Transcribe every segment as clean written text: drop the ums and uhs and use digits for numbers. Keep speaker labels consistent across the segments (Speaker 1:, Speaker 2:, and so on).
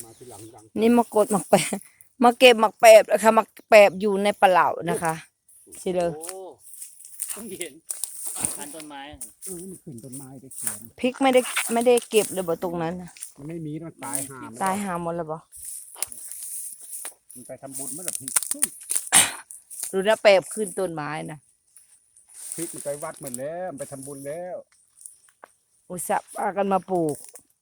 Speaker 1: มาทีหลังดัง
Speaker 2: นี่มากดหมักแปบมาเก็บหมักแปบนะคะหมักแปบอยู่ในปลาเหล่านะคะสิเลย
Speaker 3: โอ้ต้องเห็นพันต้นไม้อะ
Speaker 1: มันขึ้นต้นไม้ได้เขียน
Speaker 2: พริกไม่ได้เก็บเลยบ่ตรงนั้นน่ะ
Speaker 1: มันไม่มีมันตายหาม
Speaker 2: ตายหาหมดแล้วบ่
Speaker 1: มันไปทำบุญเมื่อไหร่พริก
Speaker 2: ดูนะแปบขึ้นต้นไม้นะ
Speaker 1: พริกมันไปวัดหมดแล้วมันไปทำบุญแล้ว
Speaker 2: อุตส่าห์พากันมาปลูก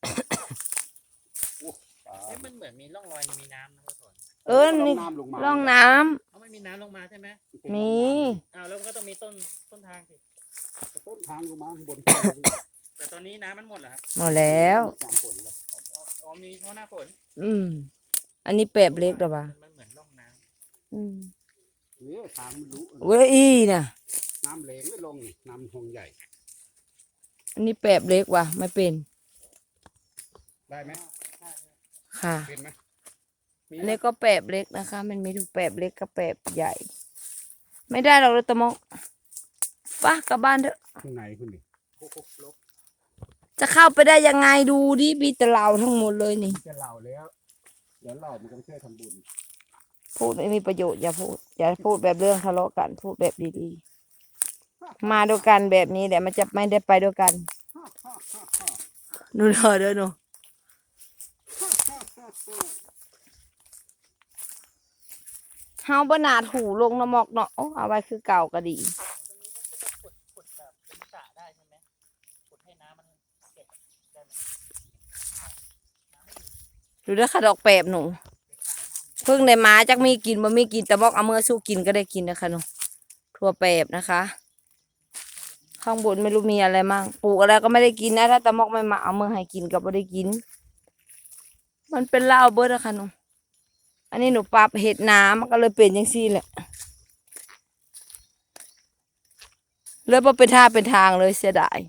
Speaker 3: เอ๊ะมันเหมือนมีร่องรอยมีน้ำนะพ่อสอน
Speaker 2: นี่
Speaker 1: น้ำลงมา
Speaker 2: ร่องน้ำ
Speaker 3: เขาไม่มีน้ำลงมาใช่ไหม
Speaker 2: มี
Speaker 3: อ้าวแล้วมันก็ต้องมีต้นทางสิ
Speaker 1: ต้นทางลงมาข้างบน
Speaker 3: แต่ตอนนี้น้ำมันหมดเหรอครับ
Speaker 2: หมดแล้ว
Speaker 1: สามผลแล้ว
Speaker 3: อ๋อมีเพราะหน้าฝน
Speaker 2: อันนี้แปบเล็กหรอปะ
Speaker 3: มันเหมือนร่องน้
Speaker 1: เนี่ยทางมันรู้
Speaker 2: เว้ยอีน่ะ
Speaker 1: น้ำเหลงไม่ลงนี่น้ำหงใหญ่
Speaker 2: อันนี้แปบเล็กว่ะไม่เป็น
Speaker 1: ได้ไหม
Speaker 3: ำใช่
Speaker 2: ค่ะ
Speaker 1: เป็นไหมมี
Speaker 2: อันนี้ก็แปบเล็กนะคะ มันมีถูกแปบเล็กกับแปบใหญ่ ไม่ได้หรอกเลยตะมกป่ะกลับบ้านเถอะ
Speaker 1: ข้างในคุณดิ
Speaker 3: โอ้โหลบ
Speaker 2: จะเข้าไปได้ยังไงดูดิมีแต่เราทั้งหมดเลยนี่
Speaker 1: จะเล่าแล้วเดี๋ยวเล่ามันก็ไม่ใช่ทำบุญ
Speaker 2: พูดไม่มีประโยชน์อย่าพูด อย่าพูดแบบเรื่องทะเลาะกันพูดแบบดีๆ มาด้วยกันแบบนี้แหละมันจะไม่ได้ไปด้วยกันหนูรอเด้อหนูเฮาบนาดหูลงน้ำหมอกเนาะโอ้เอาไว้คือเก่าก็ดี
Speaker 3: ตรงนี้ก็จะขุดแบบเป็นสระได้ใช่ไหมขุดให้น้ำมันเก็บได้ไหม
Speaker 2: ดูเด้อค่ะดอกแปบหนูเพิ่งได้มาจักมีกินบ่มีกินแต่บอกเอาเมื่อสู้กินก็ได้กินนะคะหนูทั่วแปบนะคะ ข้างบนไม่รู้มีอะไรมั่งปลูกอะไรก็ไม่ได้กินนะถ้าตะมอกไม่มาเอาเมื่อให้กินก็ไม่ได้กิน มันเป็นเหล้าเบิดอะค่ะหนูอันนี้หนูปรับเห็ดน้ำมันก็เลยเป็นอย่างซี่แหละเลยพอเป็นท่าเป็นทางเลยเสียดาย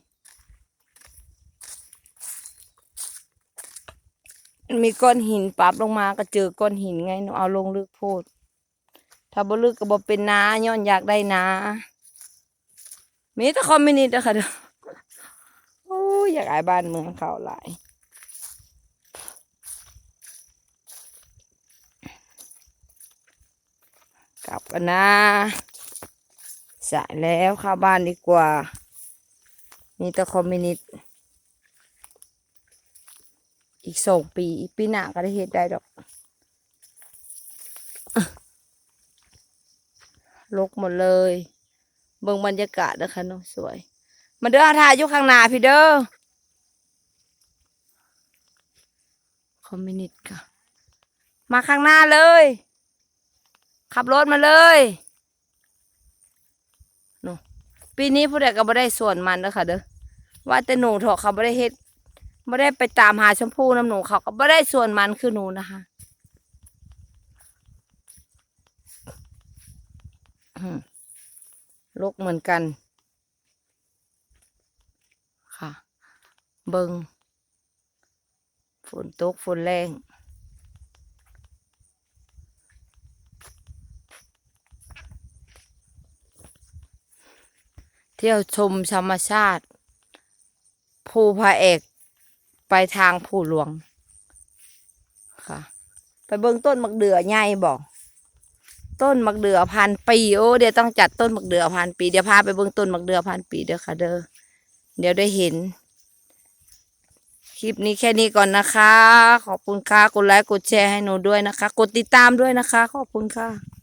Speaker 2: มันมีก้อนหินปรับลงมาก็เจอก้อนหินไงหนูเอาลงลึกโพดถ้าบ่ลึกก็บ่เป็นนาย้อนอยากได้นามีแต่คอมมิวนิสต์อะค่ะเด้อโอ้ยอยากอายบ้านเมืองเขาหลายกลับกันนะสายแล้วเข้าบ้านดีกว่ามีแต่คอมมิวนิสต์อีก2 ปีอีกปีหน้าก็ได้เฮ็ดได้ดอกลกหมดเลยเบิ่งบรรยากาศนะคะเนาะสวยมาเด้อถ่ายอยู่ข้างหน้าพี่เด้อคอมมิวนิสต์ค่ะ มาข้างหน้าเลย ขับรถมาเลยหนูปีนี้ผู้ใดก็บ่ได้ส่วนมันนะคะเด้อว่าแต่หนูเถอะเขาบ่ได้เฮ็ดบ่ได้ไปตามหาชมพู่น้ำหนูเขาก็บ่ได้ส่วนมันคือหนูนะคะลกเหมือนกันค่ะเบิงฝนตกฝนแรงเที่ยวชมธรรมชาติภูพระเอกไปทางภูหลวงค่ะไปเบิ่งต้นมะเดื่อใหญ่บอกต้นมะเดื่อ1,000 ปีโอ้เดี๋ยวต้องจัดต้นมะเดื่อ1,000 ปีเดี๋ยวพาไปเบิ่งต้นมะเดื่อ1,000 ปีเด้อค่ะเด้อเดี๋ยวได้เห็นคลิปนี้แค่นี้ก่อนนะคะขอบคุณค่ะกดไลค์กดแชร์ให้หนูด้วยนะคะกดติดตามด้วยนะคะขอบคุณค่ะ